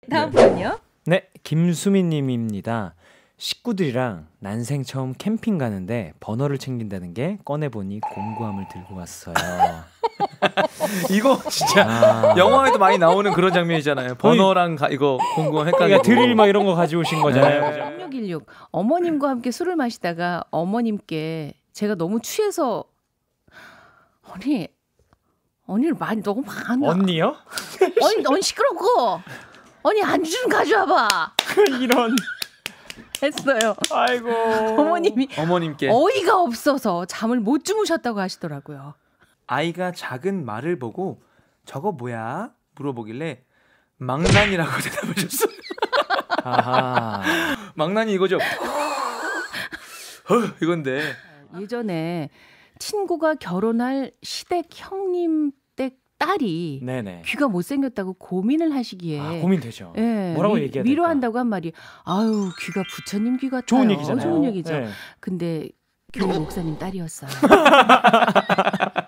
다음 분요. 네, 김수민님입니다. 식구들이랑 난생 처음 캠핑 가는데 버너를 챙긴다는 게 꺼내보니 공구함을 들고 왔어요. 이거 진짜 영화에도 많이 나오는 그런 장면이잖아요. 버너랑 이거 공구함 헷갈리고. 드릴 막 이런 거 가져오신 거잖아요. 0616 어머님과 함께 술을 마시다가 어머님께 제가 너무 취해서 언니를 많이 너무 많아. 언니요? 언니 시끄럽고 언니 안주 좀 가져와봐. 이런 했어요. 아이고. 어머님께 어이가 없어서 잠을 못 주무셨다고 하시더라고요. 아이가 작은 말을 보고 저거 뭐야? 물어보길래 망난이라고 대답하셨어요. 아하. 망난이 이거죠. 이건데 예전에 친구가 결혼할 시댁 형님 댁 딸이 네네. 귀가 못생겼다고 고민을 하시기에 고민되죠. 예, 뭐라고 얘기해야 될까? 위로한다고 한 말이 아유 귀가 부처님 귀 같아요. 좋은 얘기잖아요. 좋은 얘기죠. 네. 근데 교회 목사님 딸이었어요.